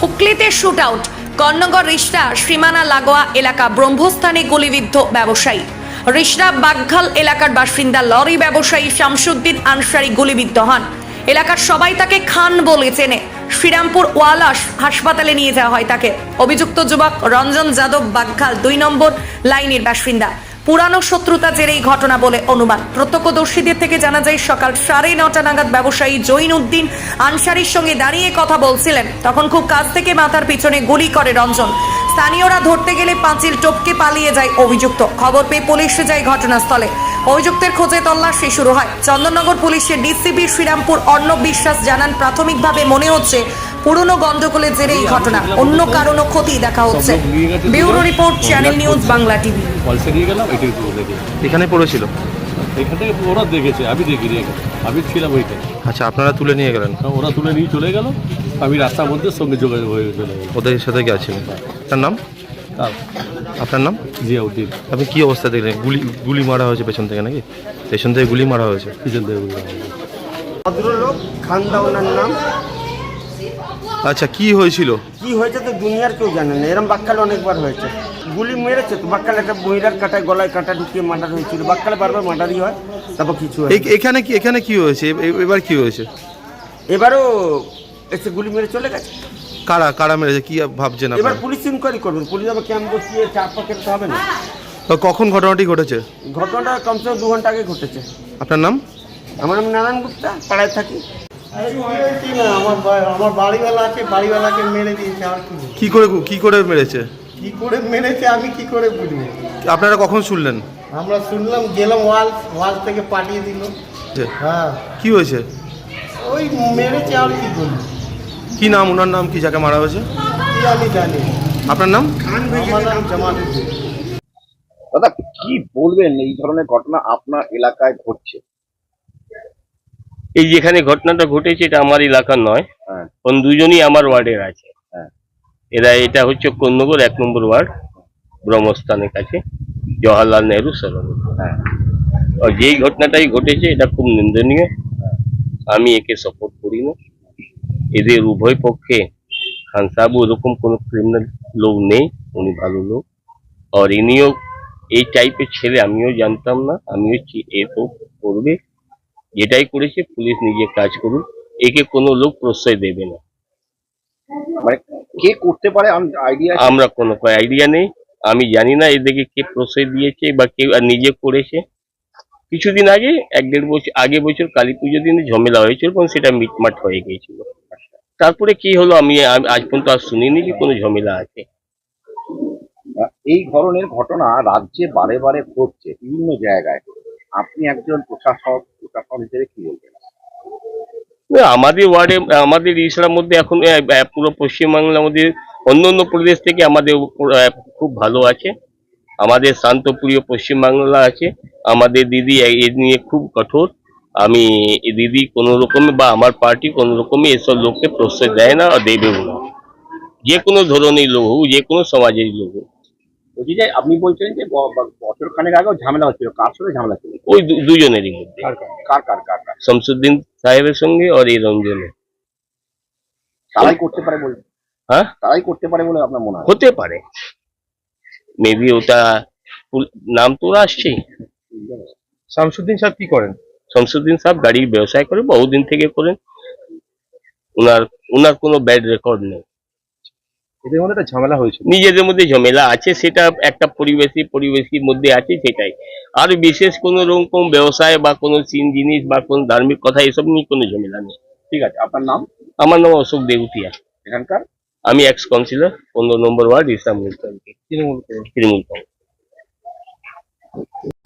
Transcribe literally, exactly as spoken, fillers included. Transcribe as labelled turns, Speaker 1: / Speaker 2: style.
Speaker 1: হুগলিতে shoot out. কর্ণগর রিষ্টা সীমানা লাগোয়া এলাকা ব্রহ্মস্থানে গুলিবিদ্ধ ব্যবসায়ী। রিষ্টা বাগঘাল এলাকার বাসিন্দা লরি ব্যবসায়ী শামসুদ্দিন আনসারি গুলিবিদ্ধ হন। এলাকার সবাই তাকে খান বলে চেনে। শ্রীরামপুর ওয়ালাস হাসপাতালে নিয়ে যাওয়া হয় তাকে। অভিযুক্ত যুবক রঞ্জন যাদব বাগঘাল দুই নম্বর লাইনের বাসিন্দা। পুরানো শত্রুতা জেরে এই ঘটনা বলে অনুমান। প্রত্যক্ষদর্শীদের থেকে জানা যায় সকাল সাড়ে নটা নাগাদ ব্যবসায়ী জৈন উদ্দিন আনসারির সঙ্গে দাঁড়িয়ে কথা বলছিলেন। তখন খুব কাছ থেকে মাথার পিছনে গুলি করে রঞ্জন। স্থানীয়রা ধরতে গেলে পাঁচিল টপকে পালিয়ে যায় অভিযুক্ত। খবর পেয়ে পুলিশ যায় ঘটনাস্থলে। অভিযুক্তের খোঁজে তল্লাশি শুরু হয়। চন্দননগর পুলিশের ডিসিপি শ্রীরামপুর অর্ণব বিশ্বাস জানান, প্রাথমিকভাবে মনে হচ্ছে পুরনো গন্ডগোলের জেরে এই ঘটনা, অন্য কারণও ক্ষতি দেখা হচ্ছে। Bureau report, channel news Bangla TV.
Speaker 2: এখানে পড়েছিল,
Speaker 3: এখান থেকে ওরা দেখেছে, আমি দেখিনি, আমি ছিলাম ওইখানে।
Speaker 2: আচ্ছা, আপনারা তুলে নিয়ে গেলেন?
Speaker 3: ওরা তুলে নিয়ে চলে গেল, আমি রাস্তার মধ্যে সঙ্গে যোগাযোগ হয়ে চলে গেল।
Speaker 2: ওদের সাথে গেছিলেন? তার নাম?
Speaker 3: তার
Speaker 2: আপনার নাম?
Speaker 3: জিয়াউদ্দিন।
Speaker 2: আপনি কি অবস্থা দেখলেন? গুলি গুলি মারা হয়েছে পেছন থেকে নাকি? পেছন থেকে গুলি মারা হয়েছে?
Speaker 3: পিছন থেকে গুলি মারা হয়েছে।
Speaker 4: ভদ্রলোক খান্দা ওনার নাম।
Speaker 2: আচ্ছা, কি হয়েছিল?
Speaker 4: কি হয়েছে তো দুনিয়ার কেউ জানে না। এরকম বাক্কালে অনেকবার হয়েছে, গুলি মেরেছে তো। বাক্কালে একটা মহিলার কাঁটায় গলায় কাঁটা ঢুকিয়ে মার্ডার হয়েছিল। বাক্কালে বারবার মার্ডারই হয়, তারপর কিছু হয়।
Speaker 2: এ- এখানে কি এখানে কি হয়েছে? এ- এবার কি হয়েছে?
Speaker 4: এবারও এসে গুলি মেরে চলে গেছে।
Speaker 2: কারা কারা মেরেছে কি ভাবছেন
Speaker 4: এবার
Speaker 2: আপনারা?
Speaker 4: পুলিশ ইনকোয়ারি করবেন। পুলিশ আবার ক্যাম্প বসিয়ে চাপ পাকেতে হবে না।
Speaker 2: তো কখন ঘটনাটি ঘটেছে?
Speaker 4: ঘটনাটা কমসে কম দু ঘন্টা আগে ঘটেছে।
Speaker 2: আপনার নাম?
Speaker 4: আমার নাম নারায়ণ গুপ্তা, পাড়ায় থাকি।
Speaker 5: আমার বা- আমার বাড়িওয়ালা আছে, বাড়িওয়ালাকে মেরে দিয়েছে। আর কি
Speaker 2: কি করে কি করে মেরেছে?
Speaker 5: কি করে মেরেছে আমি কি করে বুঝবো?
Speaker 2: আপনারা কখন শুনলেন?
Speaker 5: আমরা শুনলাম, গেলাম ওয়াল ওয়াল থেকে পাঠিয়ে দিল।
Speaker 2: যে,
Speaker 5: হ্যাঁ,
Speaker 2: কি হয়েছে?
Speaker 5: ওই মেরেছে, আর কি করবো?
Speaker 2: কি নাম? ওনার নাম কি যাকে মারা হয়েছে?
Speaker 5: কি আমি জানি।
Speaker 2: আপনার নাম?
Speaker 5: আমার নাম জামালউদ্দিন।
Speaker 6: দাদা, কি বলবেন এই ধরনের ঘটনা আপনার এলাকায় ঘটছে?
Speaker 7: এই যেখানে ঘটনাটা ঘটেছে এটা আমার এলাকার নয়,
Speaker 6: হ্যাঁ,
Speaker 7: কোন দুজনই আমার ওয়ার্ডের আছে।
Speaker 6: হ্যাঁ।
Speaker 7: এরা এটা হচ্ছে কর্ণগর এক নম্বর ওয়ার্ড, ব্রহ্মস্থানের কাছে, জওয়াহরলাল নেহরু সরণি।
Speaker 6: হ্যাঁ,
Speaker 7: আর যেই ঘটনাটাই ঘটেছে এটা খুব নিন্দনীয়। আমি একে সাপোর্ট করি না। এদের উভয় পক্ষে খান সাহেব ওরকম কোনো ক্রিমিনাল লোক নেই, উনি ভালো লোক। আর ইনিও এই টাইপের ছেলে আমিও জানতাম না। আমিও চি- এ তো করবে, যেটাই করেছে পুলিশ নিজে কাজ করুক, একে কোনো লোক প্রশ্রয় দেবে না।
Speaker 6: মানে কে করতে পারে আইডিয়া?
Speaker 7: আমরা কোনো আইডিয়া নেই, আমি জানি না এদেরকে কে প্রশ্রয় দিয়েছে বা কেউ নিজে করেছে। কিছুদিন আগে এক দেড় বছর আগে বছর কালী পুজোর দিনে ঝামেলা হয়েছিল এবং সেটা মিটমাট হয়ে গিয়েছিল। তারপরে কি হলো আমি আ- আজ পর্যন্ত আর শুনিনি যে কোনো ঝামেলা আছে।
Speaker 6: এই ধরনের ঘটনা রাজ্যে বারে বারে ঘটছে বিভিন্ন জায়গায়। আপনি একজন প্রশাসক প্রশাসন হিসেবে কি বলবেন?
Speaker 7: না, আমাদের ওয়ার্ডে আমাদের ইসলার মধ্যে এখন আহ, আহ, পুরো পশ্চিমবাংলার মধ্যে অন্য অন্য প্রদেশ থেকে আমাদের উপর, আহ, খুব ভালো আছে। আমাদের শান্তপ্রিয় পশ্চিমবাংলা আছে। আমাদের দিদি এ এ নিয়ে খুব কঠোর। আমি এই দিদি কোনো রকমে বা আমার পার্টি কোনো রকমে এসব লোককে প্রশ্রয় দেয় না আর দেবেও না, যে কোনো ধরনের লোক হোক, যে কোনো সমাজের লোক হোক।
Speaker 6: বলছি যে আপনি বলছেন যে ব- ব- বছর খানেক আগেও ঝামেলা হচ্ছিল, কার সাথে ঝামেলা ছিল?
Speaker 7: ওই দু- দুজনেরই মধ্যে,
Speaker 6: কার কার কার কার কার কার?
Speaker 7: শামসুদ্দিন সাহেবের সঙ্গে আর এই রঞ্জনের।
Speaker 6: তারাই করতে পারে বলে?
Speaker 7: হ্যাঁ,
Speaker 6: তারাই করতে পারে বলে আপনার মনে হয়?
Speaker 7: হতে পারে, মেবি ওটা পুল- নাম তো ওরা আসছেই।
Speaker 2: শামসুদ্দিন সাহেব কি করেন?
Speaker 7: শামসুদ্দিন সাহেব গাড়ির ব্যবসায় করে, বহুদিন থেকে করেন। উনার উনার কোনো ব্যাড রেকর্ড নেই।
Speaker 2: এদের মধ্যে একটা ঝামেলা হয়েছিল।
Speaker 7: নিজেদের মধ্যে ঝামেলা আছে, সেটা একটা পরিবেশী পরিবেশীর মধ্যে আছে, সেটাই। আর বিশেষ কোনো রকম ব্যবসায় বা কোনো সিন জিনিস বা কোনো ধার্মিক কথা এসব নিয়ে কোনো ঝামেলা নেই।
Speaker 6: ঠিক আছে, আপনার নাম?
Speaker 7: আমার নাম অশোক দেউতিয়া।
Speaker 6: এখানকার
Speaker 7: আমি এক্স কাউন্সিলর, পনেরো নম্বর ওয়ার্ড, ইসলামপুর তৃণমূল তৃণমূল কংগ্রেস।